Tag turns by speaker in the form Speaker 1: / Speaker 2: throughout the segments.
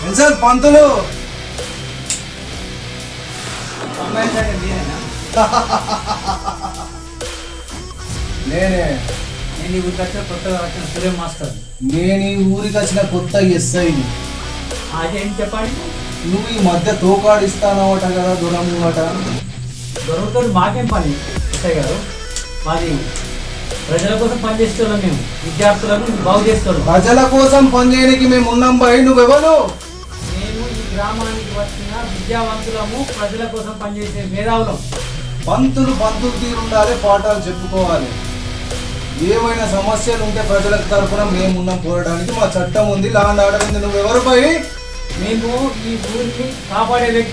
Speaker 1: Sir పంతులు నేనే
Speaker 2: నేను ఈ ఊరికి వచ్చిన కొత్తగా వచ్చిన సూర్య మాస్టర్.
Speaker 1: నేను ఈ ఊరికి వచ్చిన కొత్త ఎస్ఐని.
Speaker 2: అదేంటి చెప్పండి.
Speaker 1: నువ్వు ఈ మధ్య తోకాడిస్తానవట కదా దూరముట.
Speaker 2: దొరకతో మాకేం పని ఎస్ఐ గారు? మాది ప్రజల కోసం పనిచేస్తున్నాం, మేము విద్యార్థులను బాగు చేస్తున్నాం.
Speaker 1: ప్రజల కోసం పనిచేయడానికి మేము ఉన్నాం బాయ్. నువ్వెవరు?
Speaker 2: మేము ఈ గ్రామానికి వచ్చిన విద్యావంతులము, ప్రజల కోసం పనిచేసే మేధావులం.
Speaker 1: పంతులు తీరుండాలి, పాఠాలు చెప్పుకోవాలి. ఏమైనా సమస్యలు ఉంటే ప్రజలకు తరఫున మేమున్నాం పోరాడానికి. మా చట్టం ఉంది, లా అండ్ ఆర్డర్ ఉంది. నువ్వెవరు పై?
Speaker 2: మేము ఈ ఊరిని కాపాడే వ్యక్తి.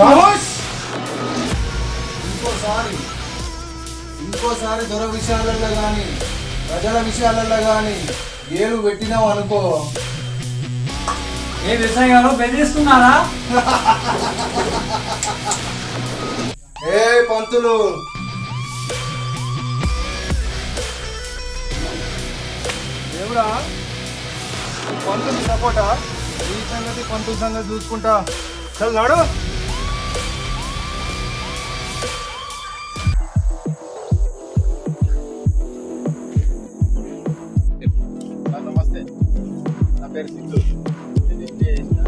Speaker 1: ఇంకోసారి దొర విషయాలలో కానీ ప్రజల విషయాలలో కానీ ఏలు పెట్టినావు అనుకో.
Speaker 2: ఏ వ్యవసాయ గారు బెదిరిస్తున్నారా?
Speaker 1: ఏ పంతులు, దేవుడా పంతులు సపోటా? ఈ సంగతి పంతుల సంగతి చూసుకుంటా. చల్ నాడు.
Speaker 3: నమస్తే, నా పేరు సిద్ధు. నేను ఎంబీఏ చేసిన.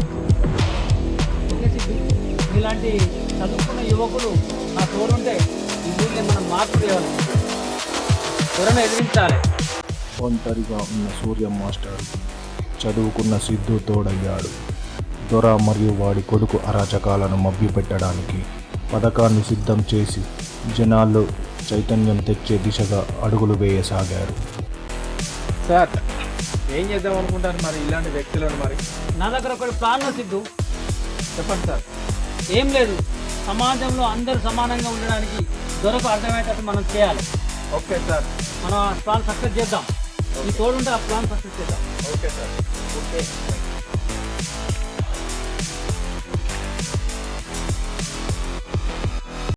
Speaker 2: ఇలాంటి చదువుకున్న యువకులు నా తోడుంటే ఈ ఊరిని మనం మార్పు చేయాలి, త్వరను ఎదిరించాలి.
Speaker 4: ఒంటరిగా ఉన్న సూర్య మాస్టర్ చదువుకున్న సిద్ధు తోడయ్యాడు. దొర మరియు వాడి కొడుకు అరాచకాలను మభ్యపెట్టడానికి పథకాన్ని సిద్ధం చేసి జనాల్లో చైతన్యం తెచ్చే దిశగా అడుగులు వేయసాగారు.
Speaker 3: సార్, ఏం చేద్దాం అనుకుంటాను మరి ఇలాంటి వ్యక్తులను? మరి
Speaker 2: నా దగ్గర ఒకటి ప్లాన్ సిద్ధు.
Speaker 3: చెప్పండి సార్.
Speaker 2: ఏం లేదు, సమాజంలో అందరూ సమానంగా ఉండడానికి దొరకు అర్థమయ్యేటట్టు మనం చేయాలి.
Speaker 3: Okay sir.
Speaker 2: మనం ఆ ప్లాన్ సక్సెస్ చేద్దాం. ఈ తోడుంటే ఆ ప్లాన్ సక్సెస్ చేద్దాం.
Speaker 3: Okay sir.
Speaker 2: ఓకే.